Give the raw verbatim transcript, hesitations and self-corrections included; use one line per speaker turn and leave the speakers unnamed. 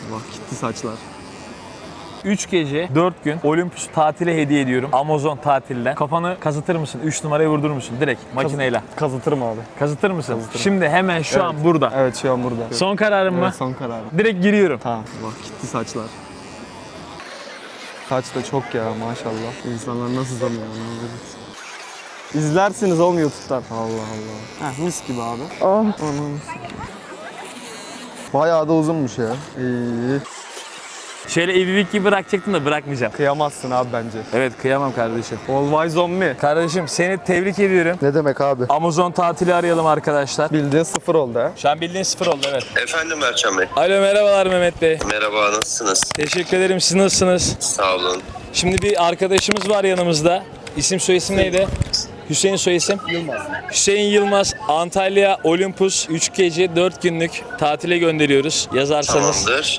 Bak gitti saçlar.
üç gece dört gün Olympus tatile hediye ediyorum. Amazon tatilden. Kafanı kazıtır mısın? üç numaraya vurdurur musun? Direkt makineyle.
Kazıtırım abi.
Kazıtır mısın?
Kazıtırım.
Şimdi hemen şu
Evet.
an burada.
Evet şu an burada.
Son kararın mı?
Evet, son kararım.
Direkt giriyorum.
Tamam. Bak gitti saçlar. Saç da çok ya maşallah. İnsanlar nasıl zamıyor onu. İzlersiniz oğlum YouTube'dan. Allah Allah. Heh, mis gibi abi. Ah. Anam. Bayağı da uzunmuş ya. İyi.
Şöyle evlilik gibi bırakacaktım da bırakmayacağım.
Kıyamazsın abi bence.
Evet, kıyamam kardeşim.
Always on me.
Kardeşim seni tebrik ediyorum.
Ne demek abi?
Amazon tatili arayalım arkadaşlar.
Bildiğin sıfır oldu ha.
Şu an bildiğin sıfır oldu, evet.
Efendim Erçan Bey.
Alo, merhabalar Mehmet Bey.
Merhaba, nasılsınız?
Teşekkür ederim, siz nasılsınız?
Sağ olun.
Şimdi bir arkadaşımız var yanımızda. İsim soyisim neydi? Hüseyin soyisim? Yılmaz. Hüseyin Yılmaz. Antalya Olympus üç gece dört günlük tatile gönderiyoruz yazarsanız.
Tamamdır.